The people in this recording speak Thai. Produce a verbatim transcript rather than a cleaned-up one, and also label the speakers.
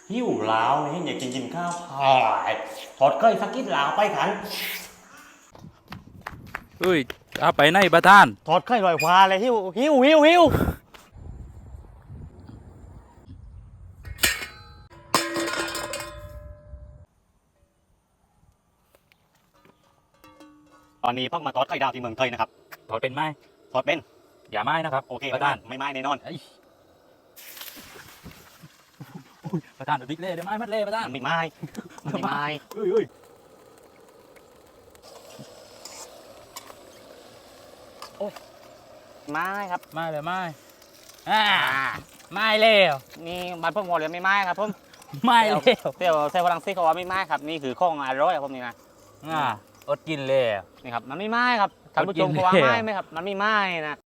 Speaker 1: หิวล้าวนี่อยากกินกินข้าวพายทอดเก้ยสักกิดลาวไปขัน
Speaker 2: เฮ้ยเอาไปไหนประธาน
Speaker 1: ทอดเก้ยลอยฟ้าเลยหิวหิวหิวหิวตอนนี้เพิ่งมาทอดไข่ดาวที่เมืองไทยนะครับ
Speaker 2: ถอดเป็นไหม
Speaker 1: ทอดเป็น
Speaker 2: อย่าไม้นะครับ
Speaker 1: โอเค
Speaker 2: ประธาน
Speaker 1: ไม่ไม่แน่นอน
Speaker 2: เอ้ยประธานเดี๋ยวบิ๊กเล่เดี๋ยวไม้มัดเล่ประธาน
Speaker 1: มันไม่ไม่มันไม่ไม่
Speaker 2: เฮ้ยเฮ้ย
Speaker 1: ไม่ครับ
Speaker 2: ไม้เลยไม้อ่าไม้เร็ว
Speaker 1: นี่บ้านพวกหัวเรือไม่ไม่ครับผม
Speaker 2: ไม้เร็ว
Speaker 1: เที่ยวเซลล์ฝรั่งเศสเขาว่าไม่ไม่ครับนี่คือข้องอร่อยครับผมนี่นะ
Speaker 2: อ่าอดกินเลย
Speaker 1: นี่ครับมันไม่ไม่ครับท่านผู้ชม
Speaker 2: กิน
Speaker 1: เขาว่า
Speaker 2: แล้ว
Speaker 1: ไม่ไหมครับมันไม่ไม่นะ